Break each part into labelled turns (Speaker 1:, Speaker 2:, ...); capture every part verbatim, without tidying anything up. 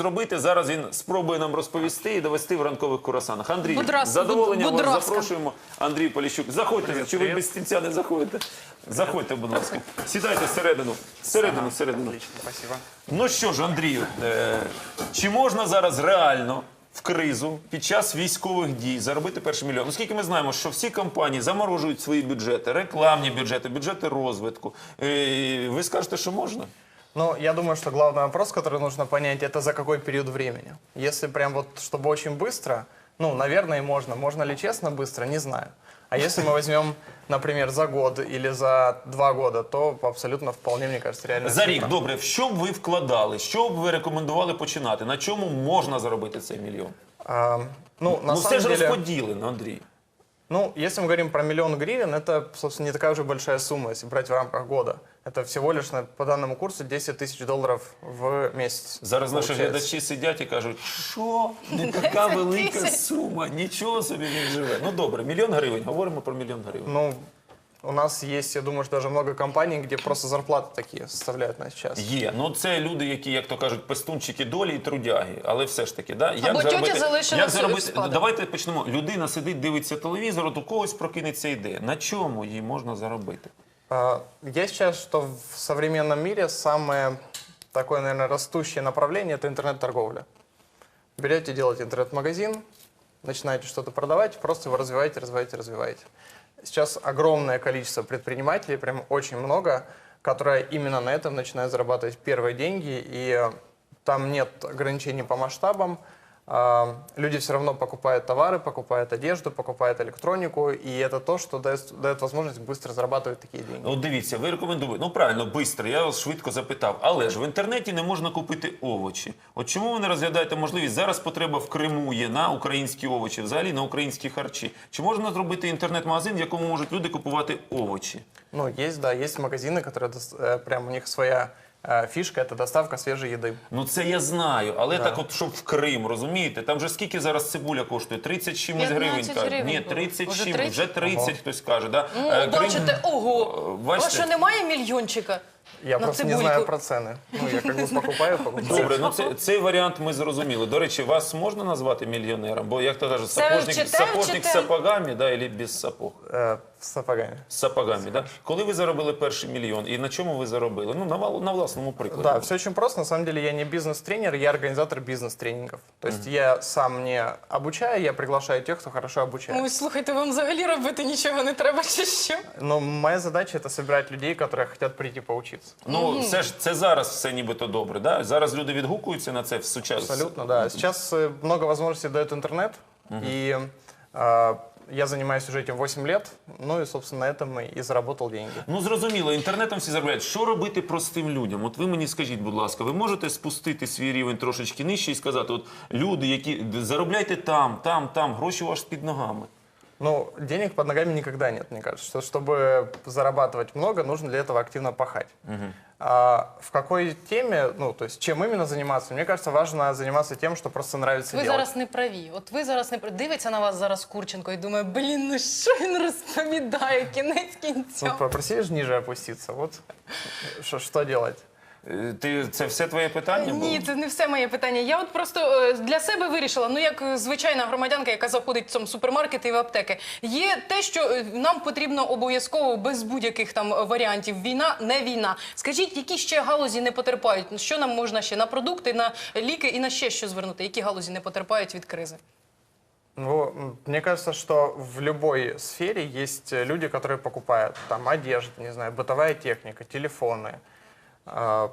Speaker 1: зробити, зараз він спробує нам розповісти і довести в ранкових курасанах. Андрій,
Speaker 2: Будь ласка,
Speaker 1: з задоволенням
Speaker 2: будь
Speaker 1: вас
Speaker 2: ласка.
Speaker 1: запрошуємо. Андрій Поліщук, заходьте,
Speaker 3: Привіт,
Speaker 1: чи ви
Speaker 3: привіт.
Speaker 1: без стільця не заходите? Заходьте, будь ласка. Сідайте всередину. Всередину, всередину.
Speaker 3: Отлично, спасибо.
Speaker 1: Ну що ж, Андрію, е, чи можна зараз реально в кризу під час військових дій заробити перший мільйон? Оскільки ми знаємо, що всі компанії заморожують свої бюджети, рекламні бюджети, бюджети розвитку. Е, ви скажете, що можна?
Speaker 3: Ну, я думаю, что главный вопрос, который нужно понять, это за какой период времени. Если прям вот, чтобы очень быстро, ну, наверное, и можно. Можно ли честно быстро, не знаю. А если мы возьмем, например, за год или за два года, то абсолютно вполне, мне кажется, реально.
Speaker 1: За рік, добре, в що б ви вкладали, що б ви рекомендували починати? На чому можна заробити цей мільйон?
Speaker 3: А, ну, на
Speaker 1: Ну все
Speaker 3: самом
Speaker 1: ж
Speaker 3: деле,
Speaker 1: розподілено, Андрій.
Speaker 3: ну, если мы говорим про миллион гривен, это, собственно, не такая уже большая сумма, если брать в рамках года. Это всего лишь на- по данному курсу десять тысяч долларов в месяц.
Speaker 1: Зараз наші
Speaker 3: получается.
Speaker 1: глядачі сидять і кажуть, що не така велика сума, нічого собі він живе. Ну добре, мільйон гривень, говоримо про мільйон гривень.
Speaker 3: Ну, у нас есть, я думаю, что даже много компаний, где просто зарплаты такие составляют на сейчас.
Speaker 1: Є, ну це люди, які, як то кажуть, пестунчики долі і трудяги, але все ж таки, да?
Speaker 2: Або тьотя залишилась
Speaker 1: як
Speaker 2: в
Speaker 1: заробити?
Speaker 2: спадок.
Speaker 1: Давайте почнемо. Людина сидить, дивиться телевізор, от у когось прокинеться ідея. На чому їй можна заробити?
Speaker 3: А, Я считаю, что в современном мире самое такое, наверное, растущее направление – это интернет-торговля. Берете, делаете интернет-магазин, начинаете что-то продавать, просто его развиваете, развиваете, развиваете. Сейчас огромное количество предпринимателей, прям очень много, которые именно на этом начинают зарабатывать первые деньги, и э, там нет ограничений по масштабам. А, Люди все равно покупают товары, покупают одежду, покупают электронику, и это то, что дает, дает возможность быстро зарабатывать такие деньги.
Speaker 1: От дивіться, ви рекомендуєте, ну правильно, швидко, я вас швидко запитав, але ж в інтернеті не можна купити овочі. От чому ви не розглядаєте можливість, зараз потреба в Криму є на українські овочі, взагалі на українські харчі. Чи можна зробити інтернет-магазин, в якому можуть люди купувати овочі?
Speaker 3: Ну, есть, да, есть магазины, которые дос- э, прям у них своя э, фишка, это доставка свежей еды.
Speaker 1: Ну це я знаю, але
Speaker 3: Да.
Speaker 1: так от, щоб в Крим, розумієте? Там же скільки зараз цибуля коштує? тридцять чимось гривень.
Speaker 2: п'ятнадцять
Speaker 1: кажуть.
Speaker 2: гривень
Speaker 1: Ні,
Speaker 2: було.
Speaker 1: тридцять
Speaker 2: Вже
Speaker 1: чимось, вже
Speaker 2: тридцять?
Speaker 1: тридцять хтось каже. Да?
Speaker 2: Ну,
Speaker 1: Е, Крим-
Speaker 2: бачите, ого,
Speaker 1: Е,
Speaker 2: у
Speaker 1: бачите?
Speaker 2: вас що немає мільйончика
Speaker 3: Я
Speaker 2: на
Speaker 3: просто не
Speaker 2: цибульку?
Speaker 3: знаю про цены. Ну, я как бы покупаю, покупаю.
Speaker 1: Добре, ну це, цей варіант ми зрозуміли. До речі, вас можна назвати мільйонером? Бо, як то кажуть,
Speaker 2: Це
Speaker 1: сапожник,
Speaker 2: вчитель,
Speaker 1: сапожник з
Speaker 2: вчитель.
Speaker 1: сапогами, да, або без сапог?
Speaker 3: Э, С сапогами.
Speaker 1: З сапогами, да? Коли ви заробили перший мільйон і на чому ви заробили? Ну, на, вал- на власному прикладі.
Speaker 3: Да, все очень просто. На самом деле я не бизнес-тренер, я организатор бизнес-тренингов. То есть я сам не обучаю, я приглашаю тех, кто хорошо обучает.
Speaker 2: Ой, слухайте, вам взагалі робити нічого не треба, чи що?
Speaker 3: Но моя задача это собирать людей, которые хотят прийти поучиться.
Speaker 1: Ну, все ж це зараз все нібито добре, да? Зараз люди відгукуються на це в сучасному.
Speaker 3: Абсолютно, да. Сейчас э, много возможностей дает интернет, и э, я занимаюсь уже этим восемь лет, ну и, собственно, на этом и заработал деньги.
Speaker 1: Ну, зрозуміло, інтернетом всі заробляють. Що робити простим людям? От ви мені скажіть, будь ласка, ви можете спустити свій рівень трошечки нижче і сказати, от люди, які заробляйте там, там, там, гроші у вас під ногами.
Speaker 3: Ну, денег под ногами никогда нет, мне кажется. Что, чтобы зарабатывать много, нужно для этого активно пахать. А в какой теме, ну, то есть чем именно заниматься? Мне кажется, важно заниматься тем, что просто нравится
Speaker 2: Ви
Speaker 3: делать.
Speaker 2: зараз не праві. От ви зараз не праві. Дивиться на вас зараз Курченко і думає, блін, ну що він розповідає, кінець
Speaker 3: Ну,
Speaker 2: кінця.
Speaker 3: попроси же ниже опуститься. Вот что, что делать?
Speaker 1: Е, Ти, це все твоє питання було?
Speaker 2: Ні, це не все моє питання. Я от просто е, для себе вирішила, ну як е, звичайна громадянка, яка заходить в цьому супермаркети і в аптеки, є те, що е, нам потрібно обов'язково без будь-яких там варіантів. Війна, не війна. Скажіть, які ще галузі не потерпають? Що нам можна ще на продукти, на ліки і на ще що звернути? Які галузі не потерпають від кризи?
Speaker 3: Ну, м, мне кажется, что в любой сфере есть э, люди, которые покупают там одежду, не знаю, бытовая техника, телефоны, э,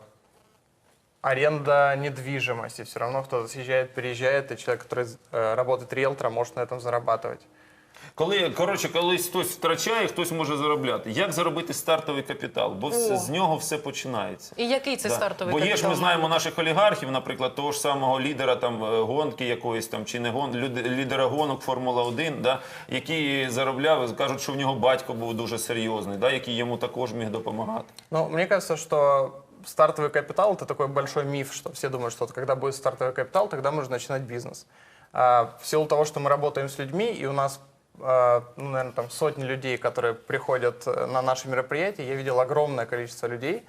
Speaker 3: аренда недвижимости. Все равно кто-то съезжает, переезжает, и человек, который э, работает риэлтором, может на этом зарабатывать.
Speaker 1: Коли, коротше, коли хтось втрачає, хтось може заробляти. Як заробити стартовий капітал? Бо все,
Speaker 2: О.
Speaker 1: з нього все починається.
Speaker 2: І який це
Speaker 1: Да.
Speaker 2: стартовий
Speaker 1: Бо є ж,
Speaker 2: капітал?
Speaker 1: ми знаємо наших олігархів, наприклад, того ж самого лідера там е, гонки якоїсь там, чи не гон, люд- лідера гонок Формула один, да, який заробляв, кажуть, що в нього батько був дуже серйозний, да, який йому також міг допомагати.
Speaker 3: Ну, мне кажется, что стартовый капитал – это такой большой миф, что все думают, что вот когда будет стартовый капитал, тогда можно начинать бизнес. А в силу того, что мы работаем с людьми, и у нас, а, ну, наверное, там сотни людей, которые приходят э, на наши мероприятия, я видел огромное количество людей,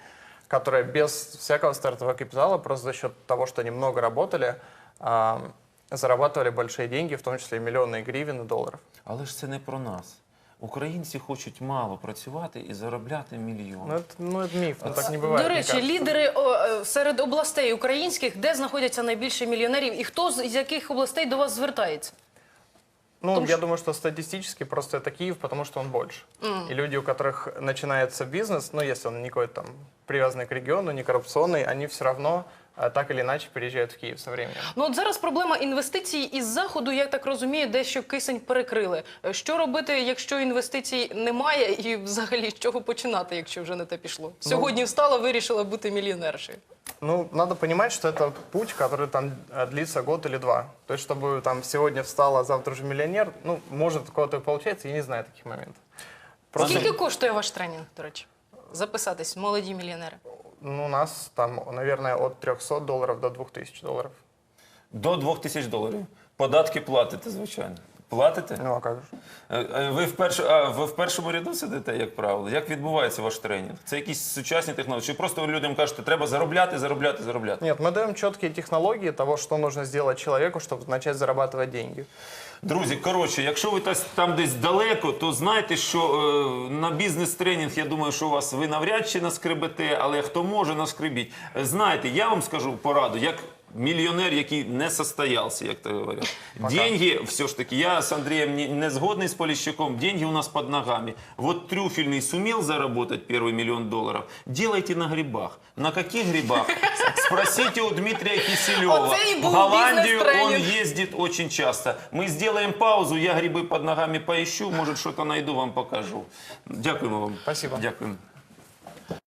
Speaker 3: которые без всякого стартового капитала, просто за счет того, что они много работали, а, зарабатывали большие деньги, в том числе и миллионы гривен и долларов.
Speaker 1: Але ж це не про нас. Українці хочуть мало працювати і заробляти мільйони.
Speaker 3: Ну, это, ну, это миф, ну, так не бывает.
Speaker 2: До
Speaker 3: мне
Speaker 2: речі,
Speaker 3: кажется.
Speaker 2: лідери о, е, серед областей українських, де знаходяться найбільше мільйонерів, і хто з з яких областей до вас звертається?
Speaker 3: Ну,
Speaker 2: Потому
Speaker 3: я
Speaker 2: что-
Speaker 3: думаю, что статистически просто это Киев, потому что он больше. И люди, у которых начинается бизнес, ну, если он не какой-то там привязанный к региону, не коррупционный, они все равно а, так или иначе переезжают в Киев со временем.
Speaker 2: Ну от зараз проблема інвестицій із заходу, я так розумію, дещо кисень перекрили. Е, Що робити, якщо інвестицій немає, і взагалі з чого починати, якщо вже не те пішло? Сьогодні встала, вирішила бути мільйонершею.
Speaker 3: Ну, надо понимать, что это путь, который там э, длится год или два. То есть, чтобы там сегодня встала, а завтра уже миллионер, ну, может, у кого-то и получается, я не знаю таких моментов. Просто,
Speaker 2: Скільки коштує ваш тренінг, до речі? Записатись, молоді мільйонери.
Speaker 3: ну, у нас там, наверное, от трехсот долларов до двух тысяч долларов.
Speaker 1: До двох тисяч доларів. Податки платите, звичайно. Платите?
Speaker 3: Ну, а как же?
Speaker 1: Е, е, Ви в, перш... а, ви в першому ряду сидите, як правило? Як відбувається ваш тренінг? Це якісь сучасні технології? Чи просто ви людям кажете, треба заробляти, заробляти, заробляти?
Speaker 3: Нет, мы даем четкие технологии того, что нужно сделать человеку, чтобы начать зарабатывать деньги.
Speaker 1: Друзі, коротше, якщо ви тас- там десь далеко, то знайте, що е, на бізнес-тренінг, я думаю, що у вас ви навряд чи наскребете, але хто може, наскребіть. Е, Знаєте, я вам скажу пораду, як мільйонер, який не состоявся, як то говорять. Деньги, все ж таки, я с Андреем не, не сгодный с Полищуком, деньги у нас под ногами. Вот Трюфельный сумел заработать первый миллион долларов, делайте на грибах. На каких грибах? Спросите у Дмитрия Киселева.
Speaker 2: Оце і
Speaker 1: В
Speaker 2: був
Speaker 1: Голландию он
Speaker 2: бізнес-тренінг.
Speaker 1: ездит очень часто. Мы сделаем паузу, я грибы под ногами поищу, может что-то найду, вам покажу. Дякуємо вам.
Speaker 3: Спасибо.
Speaker 1: Дякуємо.